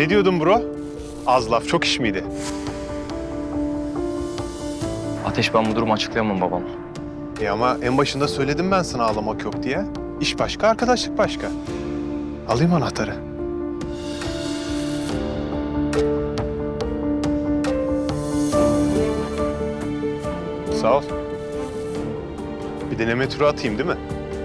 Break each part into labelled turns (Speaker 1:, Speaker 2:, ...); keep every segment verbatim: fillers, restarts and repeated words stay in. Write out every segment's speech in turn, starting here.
Speaker 1: Ne diyordun bro? Az laf çok iş miydi?
Speaker 2: Ateş, ben bu durumu açıklayamam babama.
Speaker 1: E ama en başında söyledim ben sana ağlamak yok diye. İş başka, arkadaşlık başka. Alayım anahtarı. Sağ ol. Bir deneme turu atayım değil mi?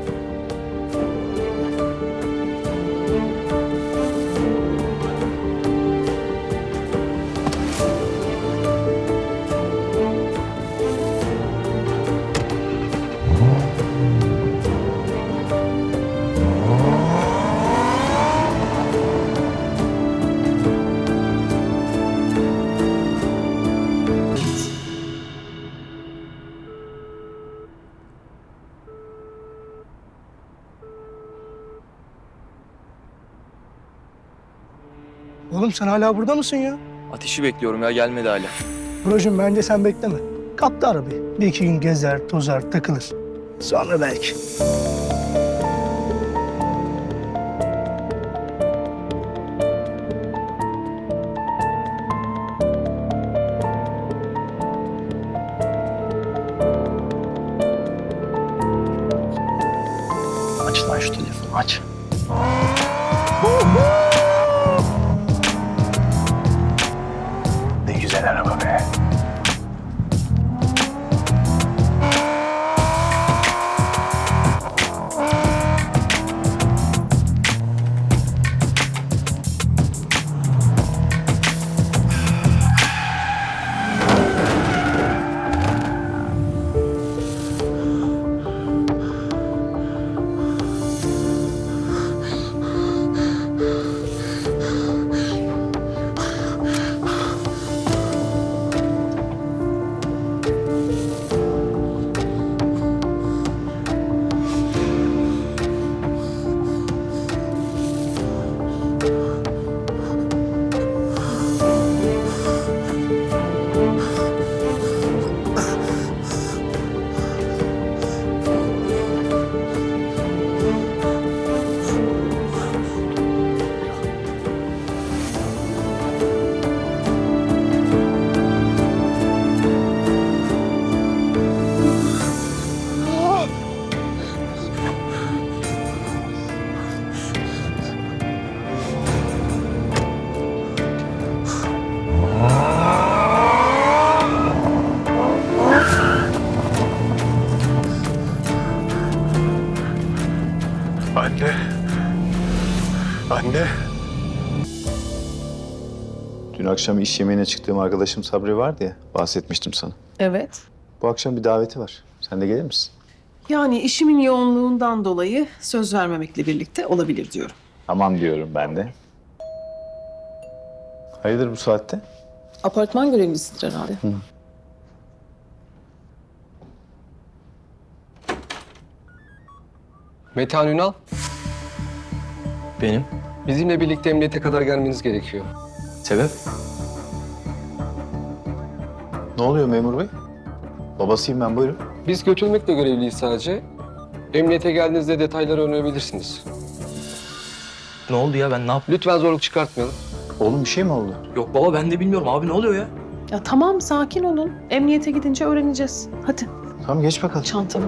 Speaker 3: Oğlum sen hala burada mısın ya?
Speaker 2: Ateşi bekliyorum ya, gelmedi hala.
Speaker 3: Brocum bence sen bekleme. Kaptı arabayı. Bir iki gün gezer, tozar, takılır. Sonra belki.
Speaker 2: Aç lan şu telefonu, aç.
Speaker 1: Ne güzel araba be. Anne. Anne.
Speaker 4: Dün akşam iş yemeğine çıktığım arkadaşım Sabri vardı ya, bahsetmiştim sana.
Speaker 5: Evet.
Speaker 4: Bu akşam bir daveti var. Sen de gelir misin?
Speaker 5: Yani işimin yoğunluğundan dolayı söz vermemekle birlikte olabilir diyorum.
Speaker 4: Tamam diyorum ben de. Hayırdır bu saatte?
Speaker 5: Apartman görevlisidir herhalde.
Speaker 6: Metehan Ünal,
Speaker 2: Benim?
Speaker 6: bizimle birlikte emniyete kadar gelmeniz gerekiyor.
Speaker 2: Sebep?
Speaker 4: Ne oluyor memur bey? Babasıyım ben, buyurun.
Speaker 6: Biz götürmekle görevliyiz sadece. Emniyete geldiğinizde detayları öğrenebilirsiniz.
Speaker 2: Ne oldu ya, ben ne yaptım?
Speaker 6: Lütfen zorluk çıkartmayalım.
Speaker 4: Oğlum bir şey mi oldu?
Speaker 2: Yok baba, ben de bilmiyorum abi, ne oluyor ya?
Speaker 5: Ya tamam, sakin olun. Emniyete gidince öğreneceğiz. Hadi
Speaker 4: Tamam geç bakalım.
Speaker 5: çantamı.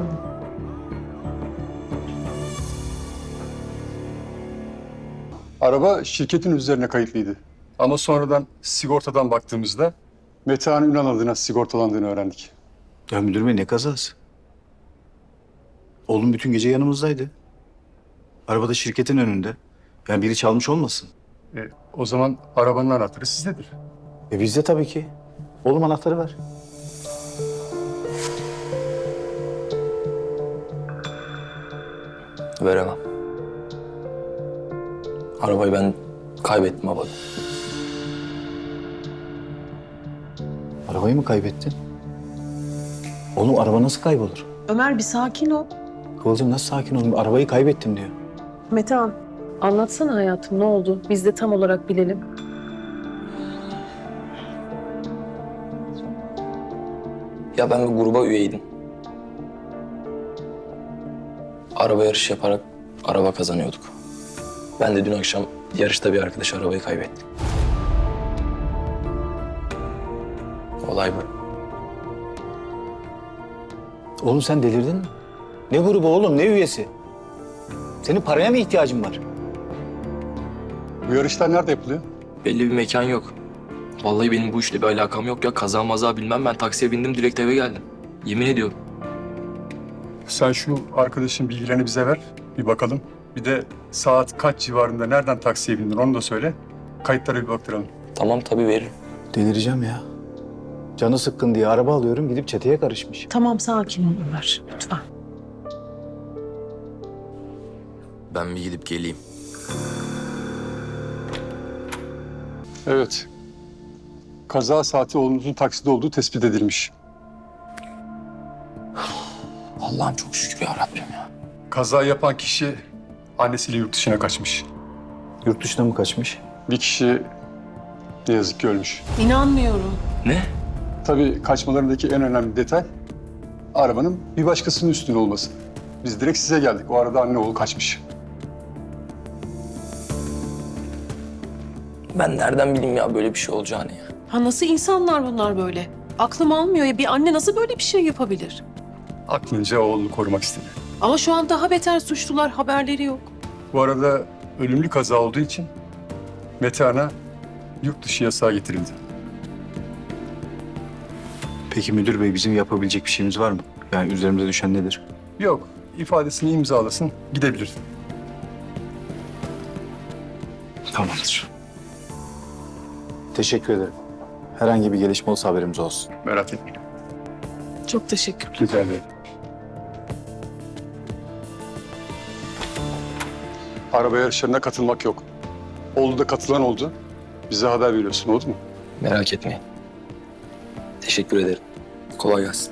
Speaker 7: Araba şirketin üzerine kayıtlıydı. Ama sonradan sigortadan baktığımızda Metehan Ünal adına sigortalandığını öğrendik.
Speaker 4: Ya müdür bey ne kazası? Oğlum bütün gece yanımızdaydı. Arabada şirketin önünde. Yani biri çalmış olmasın?
Speaker 7: E, o zaman arabanın anahtarı sizdedir.
Speaker 4: E bizde tabii ki. Oğlum anahtarı ver.
Speaker 2: Veremem. Arabayı ben kaybettim baba.
Speaker 4: Arabayı mı kaybettin? Oğlum araba nasıl kaybolur?
Speaker 5: Ömer bir sakin ol.
Speaker 4: Kıvılcım nasıl sakin olun? Arabayı kaybettim diyor.
Speaker 5: Metehan, anlatsana hayatım, ne oldu? Biz de tam olarak bilelim.
Speaker 2: Ya ben bir gruba üyeydim. Araba yarışı yaparak araba kazanıyorduk. Ben de dün akşam yarışta bir arkadaş arabayı kaybettim. Olay bu.
Speaker 4: Oğlum sen delirdin mi? Ne grubu oğlum, ne üyesi? Senin paraya mı ihtiyacın var?
Speaker 7: Bu yarışlar nerede yapılıyor?
Speaker 2: Belli bir mekan yok. Vallahi benim bu işle bir alakam yok ya. Kaza maza bilmem, ben taksiye bindim direkt eve geldim. Yemin ediyorum.
Speaker 7: Sen şu arkadaşın bilgilerini bize ver. Bir bakalım. Bir de saat kaç civarında nereden taksiye bindin onu da söyle. Kayıtlara bir baktıralım.
Speaker 2: Tamam tabii veririm.
Speaker 4: Delireceğim ya. Canı sıkkın diye araba alıyorum, gidip çeteye karışmış.
Speaker 5: Tamam sakin ol Ömer lütfen.
Speaker 2: Ben bir gidip geleyim.
Speaker 7: Evet. Kaza saati oğlunuzun takside olduğu tespit edilmiş.
Speaker 2: Allah'ım çok şükür ya Rabbim ya.
Speaker 7: Kaza yapan kişi annesiyle yurt dışına kaçmış.
Speaker 4: Yurt dışına mı kaçmış?
Speaker 7: Bir kişi ne yazık ki ölmüş.
Speaker 5: İnanmıyorum.
Speaker 2: Ne?
Speaker 7: Tabii kaçmalarındaki en önemli detay arabanın bir başkasının üstünde olması. Biz direkt size geldik. O arada anne oğul kaçmış.
Speaker 2: Ben nereden bileyim ya böyle bir şey olacağını ya.
Speaker 5: Ha nasıl insanlar bunlar böyle? Aklım almıyor ya, bir anne nasıl böyle bir şey yapabilir?
Speaker 7: Aklınca oğlunu korumak istedi.
Speaker 5: Ama şu an daha beter suçlular, haberleri yok.
Speaker 7: Bu arada ölümlü kaza olduğu için Metehan'a yurt dışı yasağı getirildi.
Speaker 4: Peki müdür bey, bizim yapabilecek bir şeyimiz var mı? Yani üzerimize düşen nedir?
Speaker 7: Yok, ifadesini imzalasın, gidebilir.
Speaker 4: Tamamdır. Teşekkür ederim. Herhangi bir gelişme olsa haberimiz olsun.
Speaker 7: Merak etmeyin.
Speaker 5: Çok teşekkürler.
Speaker 7: Rica ederim. Araba yarışlarına katılmak yok. Oldu da katılan oldu. Bize haber veriyorsun, oldu mu?
Speaker 2: Merak etmeyin. Teşekkür ederim. Kolay gelsin.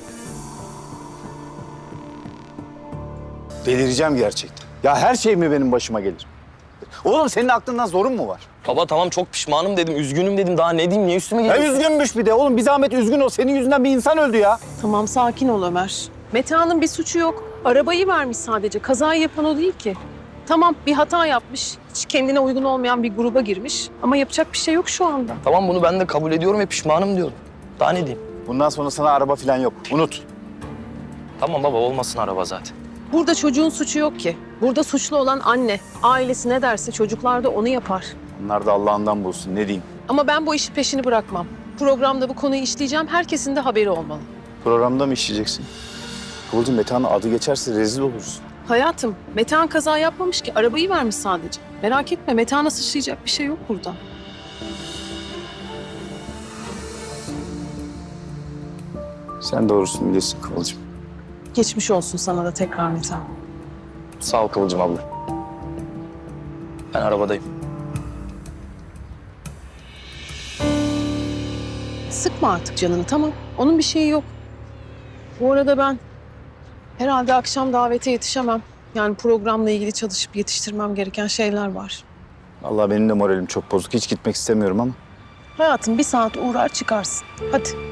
Speaker 4: Delireceğim gerçekten. Ya her şey mi benim başıma gelir? Oğlum senin aklından zorun mu var?
Speaker 2: Baba tamam çok pişmanım dedim, üzgünüm dedim. Daha ne diyeyim, niye üstüme
Speaker 4: Ya
Speaker 2: geliyorsun?
Speaker 4: üzgünmüş bir de. Oğlum bir zahmet üzgün ol. Senin yüzünden bir insan öldü ya.
Speaker 5: Tamam sakin ol Ömer. Metehan'ın bir suçu yok. Arabayı vermiş sadece. Kazayı yapan o değil ki. Tamam bir hata yapmış. Hiç kendine uygun olmayan bir gruba girmiş. Ama yapacak bir şey yok şu anda.
Speaker 2: Tamam bunu ben de kabul ediyorum ve pişmanım diyorum. Daha ne diyeyim?
Speaker 4: Bundan sonra sana araba falan yok. Unut.
Speaker 2: Tamam baba olmasın araba zaten.
Speaker 5: Burada çocuğun suçu yok ki. Burada suçlu olan anne. Ailesi ne derse çocuklar da onu yapar.
Speaker 4: Bunlar da Allah'ından bulsun. Ne diyeyim?
Speaker 5: Ama ben bu işi peşini bırakmam. Programda bu konuyu işleyeceğim. Herkesin de haberi olmalı.
Speaker 4: Programda mı işleyeceksin? Kıvılcım, Metehan'ın adı geçerse rezil oluruz.
Speaker 5: Hayatım, Metehan kaza yapmamış ki. Arabayı vermiş sadece. Merak etme, Metehan'a sıçrayacak bir şey yok burada.
Speaker 4: Sen doğrusunu biliyorsun Kıvılcım.
Speaker 5: Geçmiş olsun sana da tekrar Metehan.
Speaker 2: Sağ ol Kıvılcım abla. Ben arabadayım.
Speaker 5: Sıkma artık canını, tamam. Onun bir şeyi yok. Bu arada ben herhalde akşam davete yetişemem. Yani programla ilgili çalışıp yetiştirmem gereken şeyler var.
Speaker 4: Allah benim de moralim çok bozuk. Hiç gitmek istemiyorum ama.
Speaker 5: Hayatım bir saat uğrar çıkarsın. Hadi.